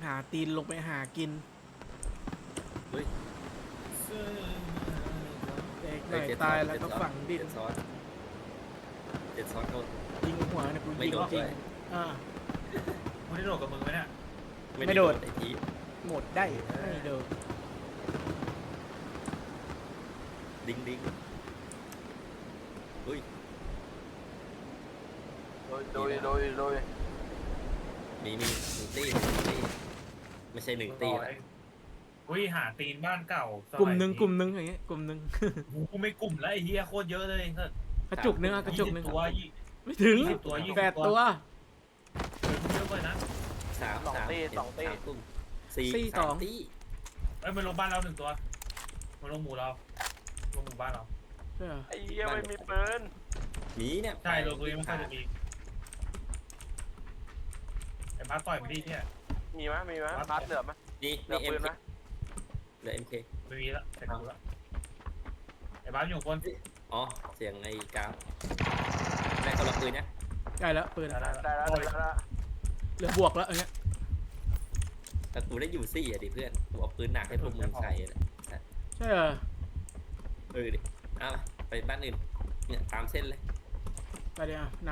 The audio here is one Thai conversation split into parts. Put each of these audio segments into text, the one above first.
หาตีนลงไปหากินเฮ้ยเด็กหน่อยตายแล้วก็ฝังดินเจ็ดซ้อนเขายิงหัวเนี่ยกูไม่ยิงโดนจริงเลยมึงได้โดดกับมึงไหมเนี่ยไม่โดนไอ้ทีหมดได้ไม่โดนดิ้งอุ้ยโดยมีหนึ่งตีไม่ใช่หนึ่งตีนะอุ้ยหาตีนบ้านเก่ากลุ่มหนึ่งอย่างเงี้ยกลุ่มหนึ่งกูไม่กลุ่มแล้วไอ้เหี้ยโคตรเยอะเลยกระจุกนึงอะกระจุกนึงตัวไม่ถึง 20ตัว20 8 ตัวเยอะเลยนะสามตุ้มสี่สี่สองตีเอ้ยมันลงบ้านเรา1 ตัวมันลงหมู่เราลงหมู่บ้านเราใช่เหรอไอ้เหี้ยไม่มีปืนหมีเนี่ยใช่ลงตรงนี้มันก็จะมีไอ้บ้าต่อยมันดิเนี่ยมีไหมพัดเหลือไหมนี่เหลือปืนไหมเหลือ MK ไม่มีละใส่กูละไอ้บ้าอยู่คนอ๋อเสียงไอ้กราฟได้คนละปืนเนี่ยได้แล้วปืนอะได้แล้วเหลือบวกแล้วอันเนี้ยแต่กูได้อยู่ซี่อ่ะดิเพื่อนกูเอาปืนหนักให้พวกมึงใส่เลยใช่เหรอดิเอาไปบ้านอื่นเนี่ยตามเส้นเลยไปเดี๋ยวน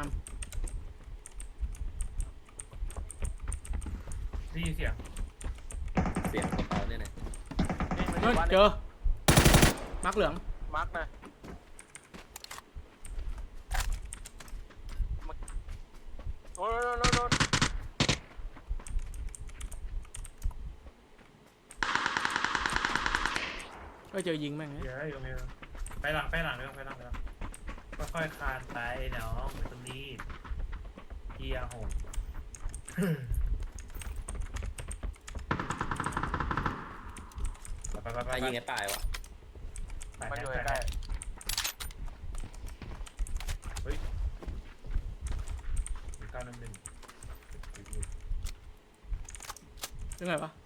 ได้ยินเสียงเสียงกระเป๋าเนี่ยนะำนั่นเจอมาร์กเหลืองมาร์กนะโน่นก็เจอยิงแม่งเดี๋ยวอยู่ตรงนี้ไปหลังค่อยๆคานไปเนาะตรงนี้เกียร์โหดไปถ้ายิงไอ้ป่ายวะมาอยู่ใกล้ 911 ยังไงวะ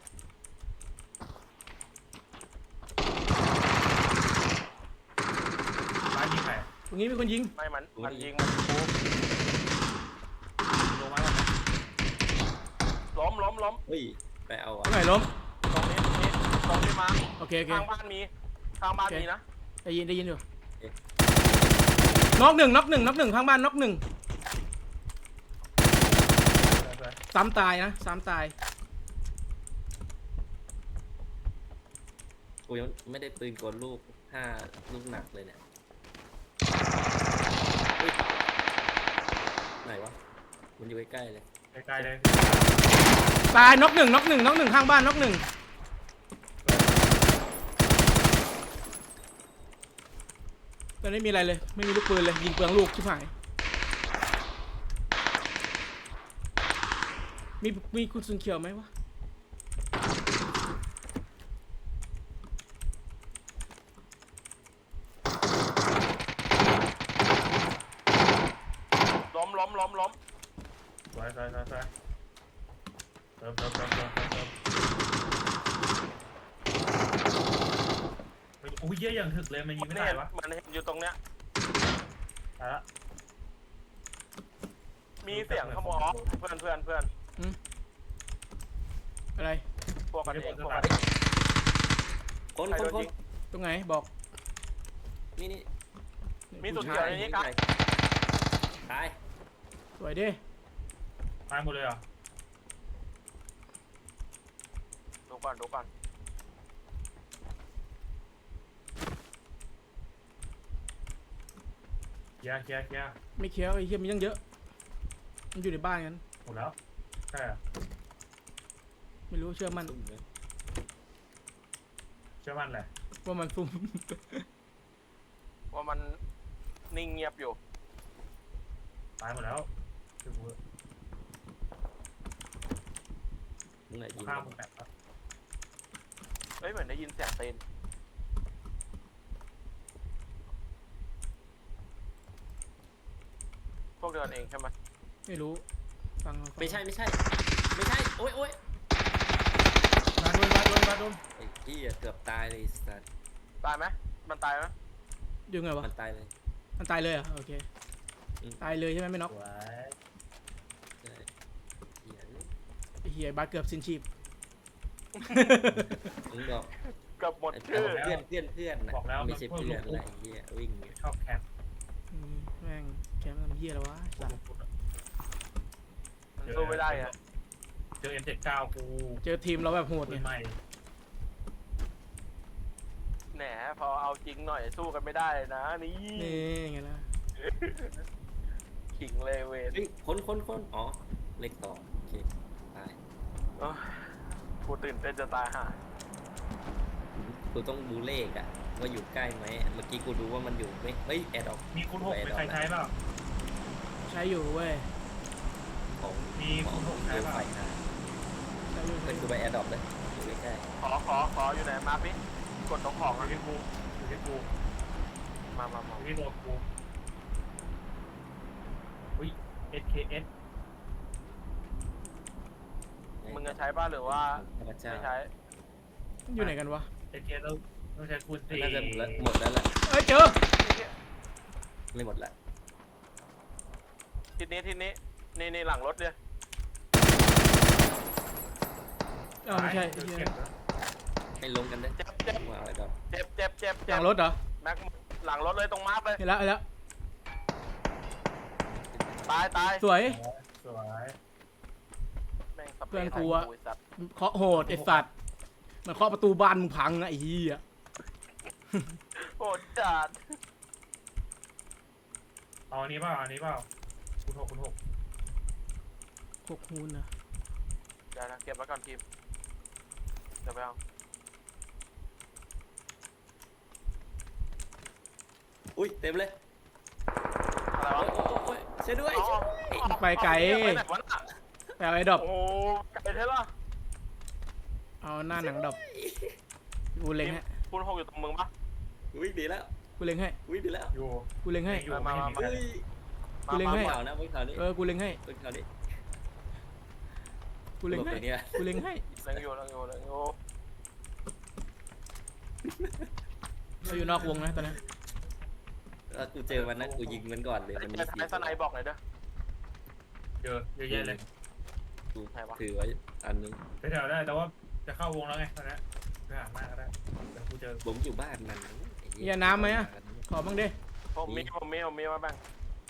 บ้านยิงใครตรงนี้มีคนยิงไม่มันยิงกูลงมาแล้วนะล้มเฮ้ยไปเอาตรงไหนล้มตรงนี้มาโอเคข้างบ้านมีนะได้ยินอยู่น็อกหนึ่งข้างบ้านน็อกหนึ่งซ้ำตายนะซ้ำตายกูยังไม่ได้ปืนกลลูกลูกหนักเลยเนี่ยไหนวะมันอยู่ใกล้ๆเลยใกล้ๆเลยตายน็อกหนึ่งข้างบ้านน็อกหนึ่งตอนนี้มีอะไรเลยไม่มีลูกปืนเลยยิงเปลืองลูกชิบหายมีคุณสุนเขียวไหมวะล้มสวยเติมโอ้ยเยี่ยอย่างถึกเลยมันยิงไม่ได้วะมันอยู่ตรงเนี้ยตายละมีเสียงขโมยเพื่อนอะไรพวกกันเองคนตรงไหนบอกนี่มีสุดเดียวในนี้กันตายสวยดิตายหมดเลยเหรอดูก่อนเคลียร์ไม่เคี้ยวไอ้เหี้ยมีตั้งเยอะมันอยู่ในบ้านกันหมดแล้วใช่เหรอไม่รู้เชื่อมันเชื่อมั่นแหละว่ามันซุ่มว่ามันนิ่งเงียบอยู่ตายหมดแล้วมึงไหนยิงข้ามมึงแบบครับเฮ้ยเหมือนได้ยินเสียงเต้นพวกเดินเองใช่ไหมไม่รู้ฟังไม่ใช่โอ๊ยมาโดนไอ้พี่เกือบตายเลยสัตว์ตายไหมมันตายไหมยังไงวะมันตายเลยมันตายเลยเหรอโอเคตายเลยใช่ไหมไม่น็อกสวยใช่ไอ้เหี้ยบาสเกือบสิ้นชีพมึงบอกเกับหมดไอ้ชื่อเพื่อนนะบอกแล้วไม่ใช่เพื่อนอะไรเหี้ยวิ่งอยู่ชอบแคปแม่งแคมป์ทำเหี้ยแล้ววะสัตว์มันสู้ไม่ได้อะเจอ M79 กูเจอทีมเราแบบโหดปืไงนใหม่แหนพอเอาจริงหน่อยสู้กันไม่ได้นะนี่นี่ไงล่ะขิงเลยเวนเฮ้ยคนอ๋อเลขต่อโอเคตายเอ้ยกูตื่นเต้นจะตายห่ากูต้องดูเลขอะว่าอยู่ใกล้ไหมเมื่อกี้กูดูว่ามันอยู่ไม่เฮ้ยแอดออกมีคุณ6เป็นใครใช้เปล่าใช้อยู่เว้ยของมีคุณหกใช้ดูเปล่าไฟหาใช้อยู่เป็นกูไปแอดออกเลยอยู่ใกล้ขออยู่ไหนมาพี่กดตรงของอยู่อะที่กูอยู่ที่กูมาอยู่ที่ตัวกูอุ้ย SKS ๆมึงจะใช้ป่ะหรือว่าพระเจ้าไม่ใช้อยู่ไหนกันวะ SKS ต้องใช้คูณ4 น่าจะหมดแล้วแหละเอ้ยเจอไม่หมดละทีนี้นี่หลังรถเนี่ยเอ้าไม่ใช่เก็เหี้ยบแล้วให้ลงกันได้เจ็บมาแอดออกเจ็บหลังรถเหรอแม็กหลังรถเลยตรงมาร์คเลยเห็นแล้วเห็นแล้วตายสวยสวยแม่งสเปรย์เพื่อนกูอะใส่สัตว์เคาะโหดไอ้สัตว์มันเคาะประตูบ้านมึงพังนะไอ้เหี้ยโหดจัดเอาอันนี้เปล่าคุณ6 หกฮูนนะเดี๋ยวนะเก็บไว้ก่อนทีมเดี๋ยวไปเอาอุ้ยเต็มเลยอะไรวะโอ้ยช่วยด้วยไปไกลไปไหนวะน่ะแปลไอ้ดอกโอ้ไกลเท่าไหร่เอาหน้าหนังดอกกูเล็งให้คุณหกอยู่ตรงมึงปะวิ่งดีแล้วกูเล็งให้วิ่งดีแล้วอยู่กูเล็งให้อยู่มาไม่เฮ้ยกูเล็งให้ข่าวนะข่าวนี้กูเล็งให้ข่าวนี้กูเล็งให้ตัวนี้กูเล็งให้เล็งอยู่เราอยู่นอกวงนะตอนนี้แล้วกูเจอมันนะกูยิงมันก่อนเลยมันมีไอ้สไนบอกหน่อยเด้อเยอะแยะเลยกูถือไว้อันนึงไปแถวได้แต่ว่าจะเข้าวงแล้วไงตอนนี้ไปหาหน้าก็ได้เดี๋ยวกูเจอผมอยู่บ้านมันมีน้ำไหมอะขอบ้างดิผมมีมาแบ่ง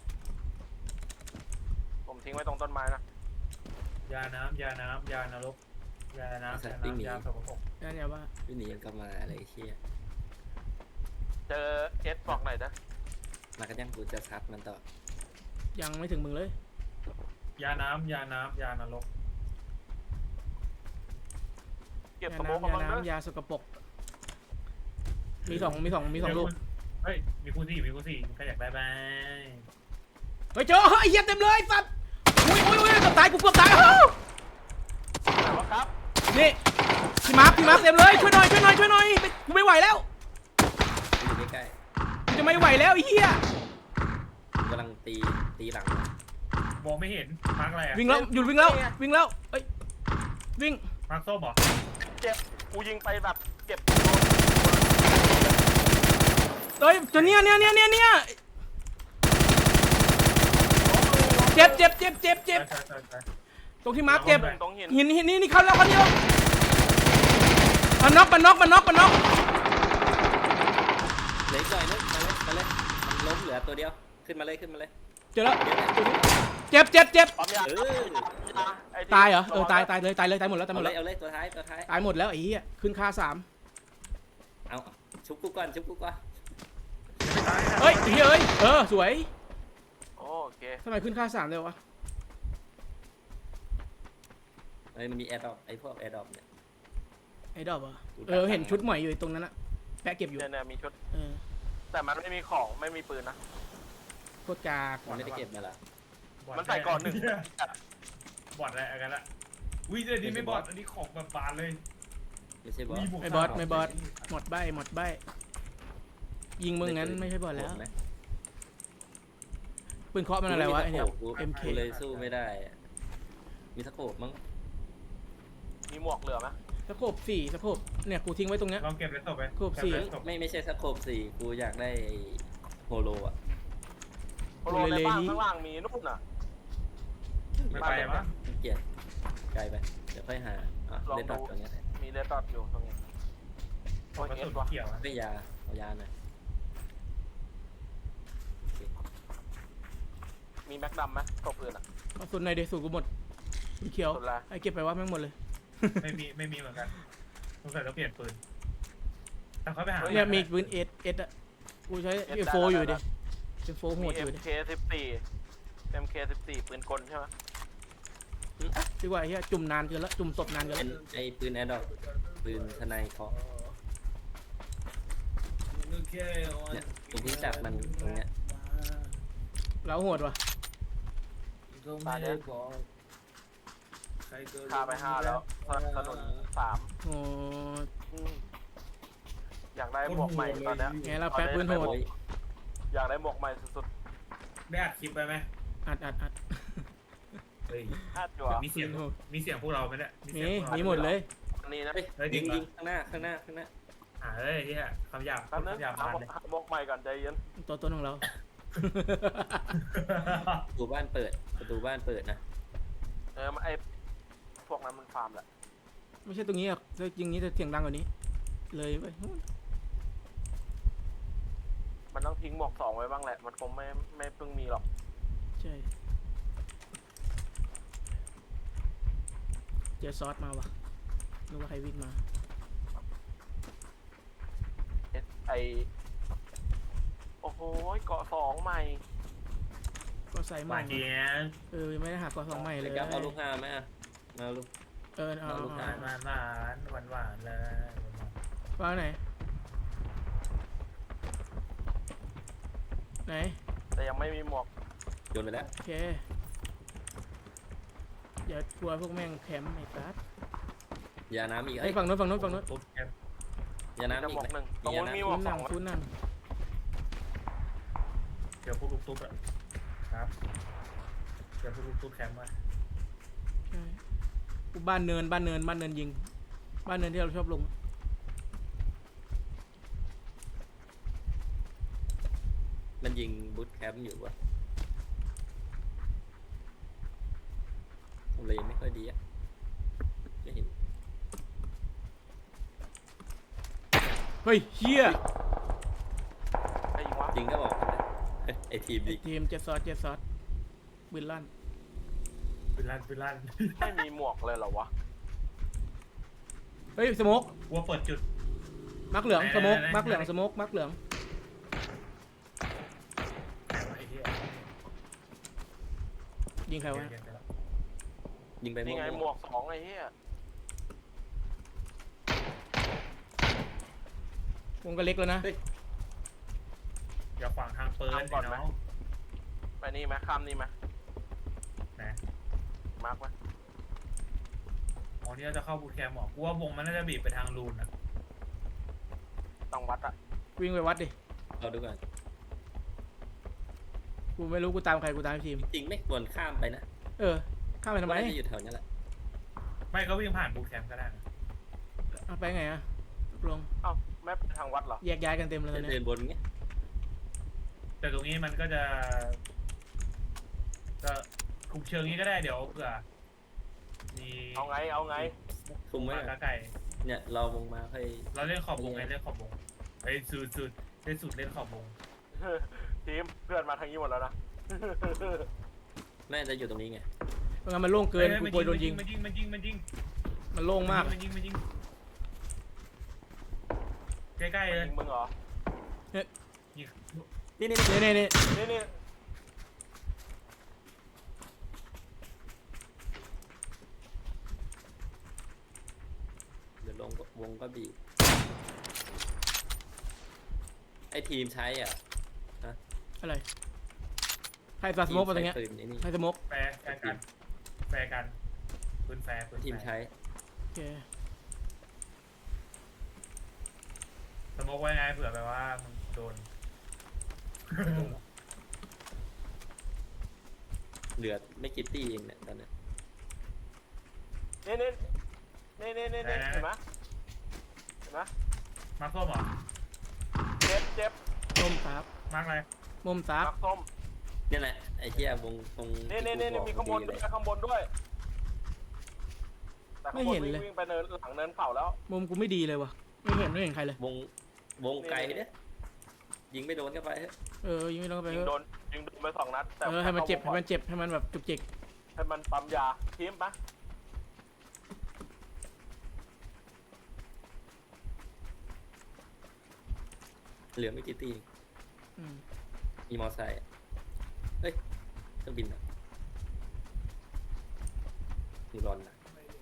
ผมทิ้งไว้ตรงต้นไม้นะยาน้ำยานรกยาสกปรกนั่นอย่าว่าพี่หนียังกลับมาอะไรเชี่ยเจอเอสบอกหน่อยเด้อมากันยังกูจะซัดมันต่อยังไม่ถึงมึงเลยยาน้ำยานรกเก็บยาสโมกน้ำกันยาบ้างเด้อน้ำยาสกปรกมีสองลูกเฮ้ยมีคูณ4ใครอยากได้บ้างเฮ้ยเจอไอ้เหี้ยเต็มเลยสัตว์อุ้ยเกือบตายกูเกือบตายไหนวะครับนี่พี่มาร์คเต็มเลยช่วยหน่อยกูไม่ไหวแล้วอยู่ใกล้กูจะไม่ไหวแล้วไอ้เหี้ยๆกำลังตีหลังมองไม่เห็นมาร์กอะไรอะวิ่งแล้วหยุดวิ่งแล้วเอ้ยวิ่งมาร์กส้มเหรอเจ็บกูยิงไปแบบเก็บเฮ้ยตัวเนี้ยเจ็บใช่ตรงที่มาร์คเจ็บตรงหินหินนี่เข้าแล้วคนเดียวมันน็อกเหลืออีกหน่อยนึงมาเลยมันล้มเหลือตัวเดียวขึ้นมาเลยเจอแล้วเจ็บปั๊มยา ไอ้ที่ตายเหรอตายเลยตายหมดแล้วเอาเลยตัวท้ายตายหมดแล้วไอ้เหี้ยขึ้นค่า3 เอาชุบกูก่อนเฮ้ยไอ้เหี้ยสวยโอเคทำไมขึ้นค่า3เลยวะเฮ้ยมันมีแอร์ดรอปไอ้พวกแอร์ดรอปเนี่ยไอ้ดอกเหรอเห็นชุดใหม่อยู่ตรงนั้นอะแปะเก็บอยู่เนี่ยมีชุดเออแต่มันไม่มีของไม่มีปืนนะโคตรกากมันไม่ได้เก็บมาละมันใส่ก่อนหนึ่งบอดอะไรกันละวิ่งอันนี้ไม่บอดอันนี้ของแบบบานเลยไม่ใช่บอสไม่บอสหมดใบยิงมึงงั้นไม่ใช่บอสแล้วปืนเคาะมันอะไรวะไอ้เนี่ย MK กูเลยสู้ไม่ได้มีสโคปมั้งมีหมวกเหลือไหมสะโพก4สะโพกเนี่ยกูทิ้งไว้ตรงเนี้ยลองเก็บเลสโตไปไม่ใช่สโคป4กูอยากได้โฮโลอ่ะโลในบ้านข้างล่างมีนู่นน่ะไม่ไปวะเกลียดไกลไปเดี๋ยวค่อยหาเล่นดอทตรงนี้มมีเลือดดอดอยู่ตรงนี้โอ้ยกระเอสุสนวะเขียวอะไม่ยาเอายาหน่อยมีแม็กดำไหมตบอื่นอ่ะเอาสุดในเดสูกูหมดสีเขียวสุดละไอ้เก็บไปว่าแม่งหมดเลยไม่มีเหมือนกันสงสัยต้องเปลี่ยนปืนแต่เขาไปหาเนี่ยมีปืนเอสอะกูใช้เอโฟอยู่ดิเอโฟโหมีดอยู่ดิ MK14 ปืนกลใช่ไหมดีกว่าไอ้เหี้ยจุ่มนานเกินละจุ่มศพนานเกินเป็ละนไอ้ปืนแอร์ดรอปปืนทนายเคาะเนี่ยผมเพิ่งจับมันตรงเนี้ยเราโหดว่ะตายเนี่ยฆ่าไป5แล้วถนน3 โอ้อยากได้หมวกใหม่ตอนเนี้ยไงเราแป๊บปืนโหดอยากได้หมวกใหม่สุดได้อัดคลิปไปไหมอัดเฮ้ยๆอัดอยู่อ่ะมีเสียงพวกเราไหมเนี่ยมีหมดเลยอันนี้นะเฮ้ยเฮ้ยยิงจริยิงงปะข้างหน้าข้างหน้าข้างหน้าเฮ้ยที่คำหยาบแป๊บนึงคำหยาบหามาเลยหมวกใหม่ก่อนใจเย็นตัวต้นของเราประตูบ้านเปิดประตูบ้านเปิดนะไอพวกนั้นมันฟาร์มแหละไม่ใช่ตรงนี้อ่ะถ้าจริงนี้จะเสียงดังกว่านี้ เลยไปมันต้องทิ้งหมวก2ไว้บ้างแหละ มันคงไม่เพิ่งมีหรอกใช่เจอซอสมาว่ะนึกว่าใครวิ่งมาไอโอ้โหเกาะ2ใหม่ก็ใส่ใหหม่วานเจี๊ยบไม่ได้หากอสองใหม่เลยครับเอาลูกห้าไหมอ่ะมาลูกเอาเอาลูกหวานหวานเลยวางไหนไหนแต่ยังไม่มีหมวกโยนไปแล้วโอเคอย่ากลัวพวกแม่งแคมป์ไอ้กัสยาน้ำอีกไอ้ยฝั่งโน้นฝั่งโน้นฝั่งโน้นปุ๊บแคปยามีน้ำแต่อีหมกวกไหมหนึ่งตรงนู้นมีหมซูวกนสนั่อง งซูนนั่งเดี๋ยวพวกลูกตุ๊กอะครับเดี๋ยวพวกลูกตุ๊กแคมป์มาใช่บ้านเนินยิงบ้านเนินที่เราชอบลงมันยิงบูทแคมป์อยู่วะเลยไม่ค่อยดีอ่ะไม่เห็นเฮ้ยเฮียไอ้ยิงวะจริงก็บอกกันนะไอทีมไอ้ดิทีมเจ็ดซอสปืนลั่นปืนลั่นไม่มีหมวกเลยเหรอวะเฮ้ยสโมกกลัวเปิดจุดมักเหลืองไหนสโมกไหนมักเหลืองไหนสโมกมักเหลืองไอ้เหี้ยยิงใครวะเก็บไปแล้วยิงไปนี่ไงหมมั่ววก2ไอ้เหี้ยวงก็เล็กแล้วนะอย่าขวางทางปืนไอ้น้องไปนี่ไหมข้ามนี่ไหมนะมาร์กไหมอ๋อนี่เราจะเข้าบูทแคมป์หรอกูว่าวงมันน่าจะบีบไปทางรูนอะต้องวัดอะวิ่งไปวัดดิๆเอาดูก่อนกูไม่รู้กูตามใครกูตามทีมจริงไม่ควรข้ามไปนะข้ามไปทำไมน่าจะอยู่แถวนี้แหละไม่ก็วิ่งผ่านบูทแคมป์ก็ได้นะเอาไปไงอะตกลงเอ้าแม่ไปทางวัดเหรอแยกย้ายกันเต็มเลยตอนเดิเนี้ยนบนเงี้ยแต่ตรงนี้มันก็จะคุมเชิงนี้ก็ได้เดี๋ยวเผื่อมีเอาไงคุมไว้มาก่อนไก่เนี่ยเราวงมาค่อยเราเล่นขอบวงไงเล่นขอบวงไอ้สุดเล่นสุดเล่นขอบวงทีมเพื่อนมาทางนี้หมดแล้วนะน่าจะอยู่ตรงนี้ไงเพราะงั้นมันโล่งเกินกูกลัวโดนยิงมันยิงมันโล่งมากมันยิงใกล้ๆเลยยิงมึงเหรอยิงนี่นี่นี่นี่เดี๋ยวลงวงก็บีบไอทีมใช้อ่ะอะไรใครสโมกมาตรงเนี้ยทีมใช้ปืนไอ้นี่ใครสโมกแฟร์กันปืนแฟร์ทีมใช้โอเคสมมติไว้ไงเผื่อแบบว่ามึงโดนเหลือไม่กี่ตีเองเนี่ยตอนเนี้ยนี่เห็นไหมมาร์คส้มเหรอเจ็บส้มซับมาร์คอะไรมุมซับมักส้มนี่แหละไอ้เหี้ยวงตรงนี่ที่กูบอกมีข้างบนพอด้ดีวยเลยข้างบนด้วยแต่ข้างบนวิ่งไปเนินหลังเนินเข่าแล้วมุมกูไม่ดีเลยวะไม่เห็นใครเลยวงไกลเนี่ยยิงไม่โดนเข้าไปยิงไม่ลงไปยิงโดนไป2 นัดแต่ให้มันเจ็บให้มันแบบจุกจิกให้มันปั๊มยาทีมปะเหลือไม่กี่ตีอืมมีมอไซค์เฮ้ยเครื่องบินอ่ะมีรอนนะ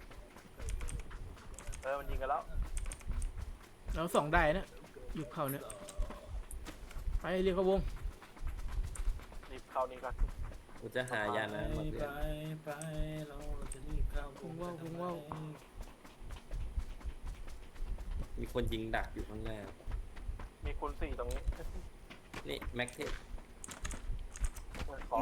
มันยิงกันแล้วแล้วสองได้นะอยู่เขาเนี่ยไปเรียกเขาวงรีบเข้านี่ก่อนกูจะหายานะมาเพื่อนไปเราจะรีบเข้าวงว่าวมีคนยิงดักอยู่ข้างหน้ามีคูณ 4ตรงนี้นี่แม็กเทสขอ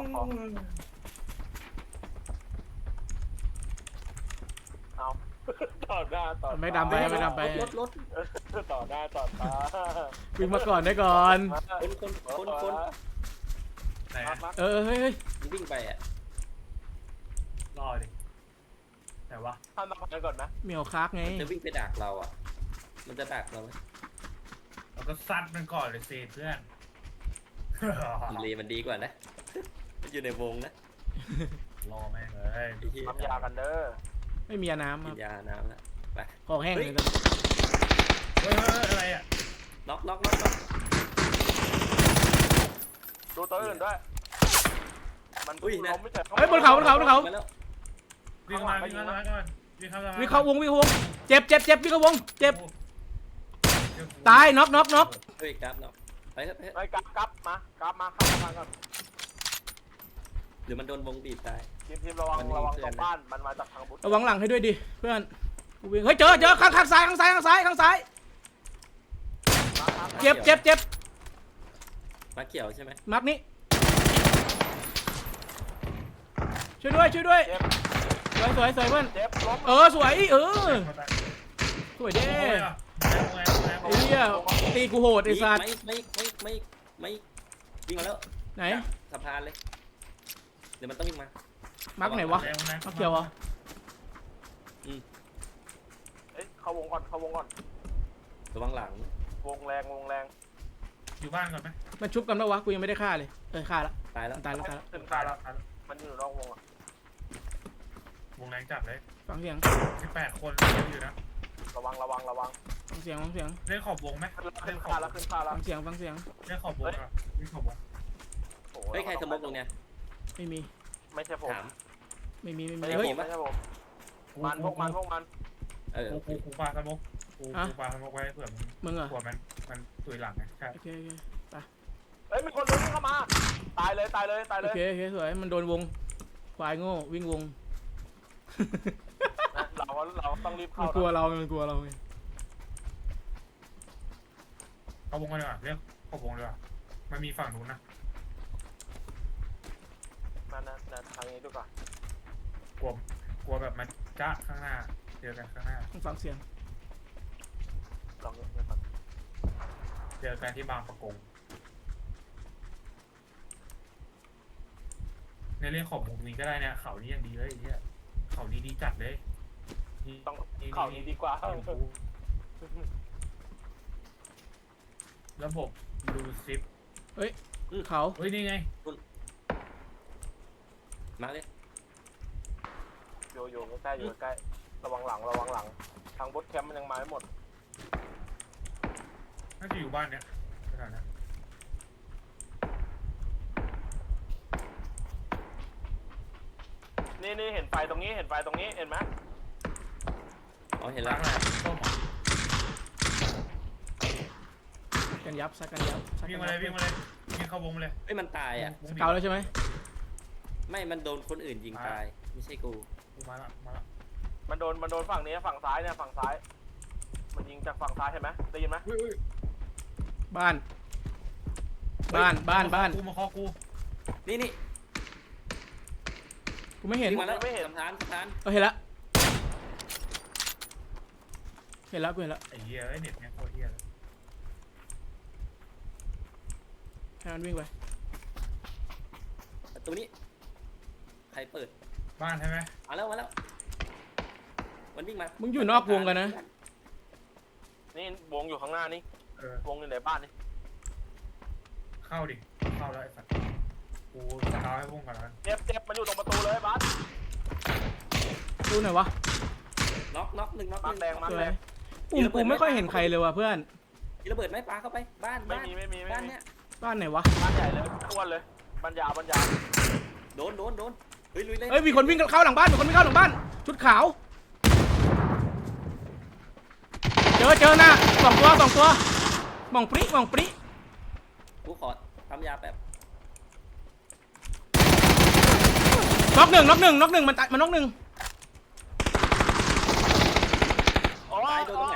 เอาต่อหน้าต่อไม่ดำไปรถต่อหน้าต่อตาวิ่งมาก่อนได้ก่อนคนไหนอะเฮ้ยวิ่งไปอ่ะรอดิแต่ว่าท่านต้องไปก่อนนะเหมียวคักไงจะวิ่งไปดักเราอ่ะมันจะดักเราไหมเราก็ซัดมันก่อนเลยสิเพื่อนเลมันดีกว่านะมันอยู่ในวงนะรอแม่งเลยไอ้เหี้ยทำยากันเด้อไม่มีน้ำคกิรับนยาน้ำแล้วไปคอแห้งเลยเฮ้ยอะไรอ่ะน็อกดูตัวอื่นด้วย มันอุ้ยนะล้มไม่เจ็บเฮ้ยบนเขามาแล้ววิ่งมาวิ่งเข้ามาวิ่งเข้าวงเจ็บวิ่งเข้าวงเจ็บตายน็อกเฮ้ยกราฟน็อกไปเถอะไอ้กลับมาเข้ามาก่อนหรือมันโดนวงบีบตายทีมระวังตรงบ้านมันมาจากทางบุตรระวังหลังให้ด้วยดิเพื่อนกูวิ่งเฮ้ยเจอข้างซ้ายเจ็บมาเขียวใช่ไหมมักนี้ช่วยด้วยเจ็บสวยเพื่อนเจ็บล้มสวยสวยเด้ไอ้เหี้ยตีกูโหดไอ้สัตว์ไม่วิ่งมาแล้วไหนสะพานเลยเดี๋ยวมันต้องวิ่งมามักไหนวะมักเขียวเหรอเอ้ยเข้าวงก่อนระวังหลังวงแรงอยู่บ้านก่อนไหมมันชุบกันปะวะกูยังไม่ได้ฆ่าเลยฆ่าละตายแล้วตายแล้วขึ้นตายแล้วมันอยู่นอกวงอ่ะวงแรงจัดเลยฟังเสียง 18 คนอยู่นะระวังฟังเสียงเล่นขอบวงไหมขึ้นคาแล้วฟังเสียงเล่นขอบวงอ่ะเล่นขอบวงเฮ้ยใครสมมติตรงเนี้ยไม่มีไม่ใช่ผมถามไม่มีไม่ใช่เฮ้ยผมไม่ใช่ผมมันพวกมันกูปาสมกกูปาสมกไว้เผื่อมึงเหรอเผื่อมันตุยหลังไงใช่โอเคเฮ้ยมีคนเดินเข้ามาตายเลยโอเคสวยมันโดนวงควายโง่วิ่งวงเราต้องรีบมัเข้านกลัวเราไงเข้าวงกันดีกว่าเรียกขอบวงดีกว่ามันมีฝั่งนู้นนะนั่นทางนี้ดูก่อนกลัวแบบมันจ้าข้างหน้าเจอกันข้างหน้าฟังเสียงลองดูก่อนเจอกันที่บางประกงในเรื่องของมุมนี้ก็ได้เนี่ยเขานี้ยังดีเลยไอ้เนี่ยเขานี้ดีจัดเลยต้องเข่านี้ดีกว่าระบบดูซิปเขาเฮ้ยนี่ไงมาเลยอยู่ใกล้ระวังหลังทางบดแคมป์มันยังมาไม่หมดน่าจะอยู่บ้านเนี่ยขนาดนั้นนี่เห็นไฟตรงนี้เห็นไหมอ๋อเห็นล้าแล้วงอะไรส้มเหรอกันยับซักกันยับวิ่งมาเลยวิ่งเข้าวงมาเลยเฮ้ยมันตายอ่ะวงบีบเก่าแล้วใช่ไหมไม่มันโดนคนอื่นยิงตายไม่ใช่กูมาละมันโดนฝั่งนี้ฝั่งซ้ายเนี่ยฝั่งซ้าย มันยิงจากฝั่งซ้ายเห็นไหมได้ยินไหมบ้านกูมาคอกูนี่กูไม่เห็นวิ่งมาแล้วสะพานเห็นละกูเห็นละไอ้เหี้ยไอ้เน็ตเนี่ยโคตรเหี้ยเลยให้มันวิ่งไปตัวนี้ใครเปิดบ้านใช่ไหมมาแล้วมันวิ่งมามึงอยู่นอกวงกันนะนี่วงอยู่ข้างหน้านี่ วงอยู่ในบ้านนี่เข้าดิเข้าแล้วไอ้สัตว์กูสกาวให้พุ่งก่อนแล้วเจ็บมันอยู่ตรงประตูเลยบัสดูหน่อยวะน็อกหนึ่งมาร์คแดงมาร์สควแดยงปุ่มกูไม่ค่อยเห็นใครเลยว่ะเพื่อนมีระเบิดไหมปาเข้าไปบ้านไม่มีบ้านเนี้ยบ้านไหนวะบ้านใหญ่เลยอ้วนเลยบ้านยาวบ้านยาวโดนเฮ้ยลุยเลยเอ้ยมีคนวิ่งเข้าหลังบ้านมีคนวิ่งเข้าหลังบ้านชุดขาวเจอหน้าสองตัวมองปริกูขอทำยาแบบน็อกหนึ่งมันตายมันน็อกหนึ่งโอ้ตายยโดนตรงไหน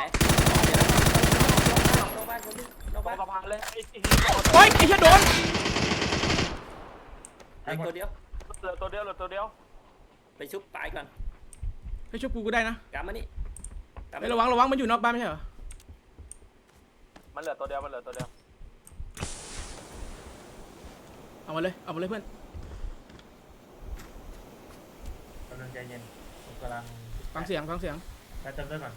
นอกบ้านคนนึงนอกตรบ้าง นสะพานเลยไอ้โอ้ยไอ้เหี้ยโดนไอ้ตัวเดียวเหลือตัวเดียวไปชุบตายก่อนให้ช่วยกูก็ได้นะกำมานี่กำไอ้ระวังมันอยู่นอกบ้านไม่ใช่เหรอมันเหลือตัวเดียวเอามาเลยเพื่อนกำลังใจเย็นกูกำลังฟังเสียงไปเติมด้วยก่อน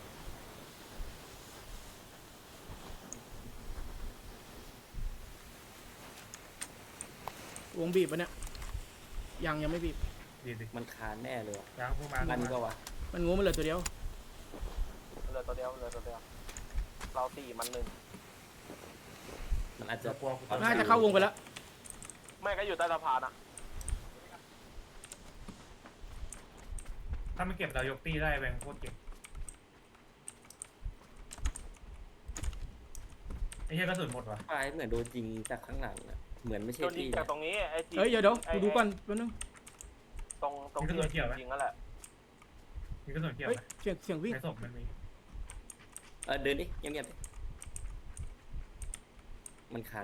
วงบีบปะเนี่ยยังไม่บีบดีดิมันคานแน่เลยว่ะยังพุ่งมามันก็วะมันงูมันเหลือตัวเดียวเหลือตัวเดียวเราตีมันหนึ่งมันอาจจะจะกลัวกูน่าจะเข้าวงไปแล้วไม่ก็อยู่ใต้สะพานอ่ะถ้ามันเก็บเรายกตีได้แบงโคตรเก็บไอ้เหี้ยกระสุนหมดวะตายเหมือนโดนยิงจากข้างหลังอะเหมือนไม่ใช่โดนยิที่งจากตรงนี้ไอ้ทีเฮ้ยเดี๋ยวกูดูก่อนแป๊บนึงตรงที่ยิงนั่นแหละมีกระสุนเกี่ยวเฮ้ยไหมเสียงวิ่งในศพมันมีเดินดิเงียบๆดิมันคาน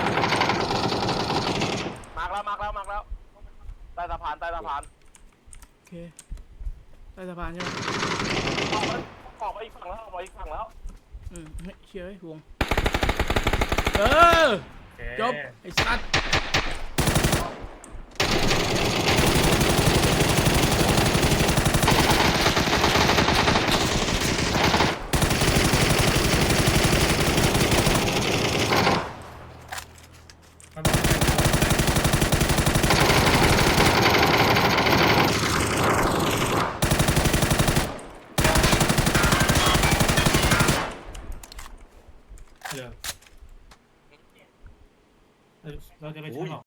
มาร์กแล้วใต้สะพานโอเคใต้สะพานใช่ไหมออกไปอีกฝั่งแล้วเฮ้ยเชี่ยววงจบไอ้สัตว์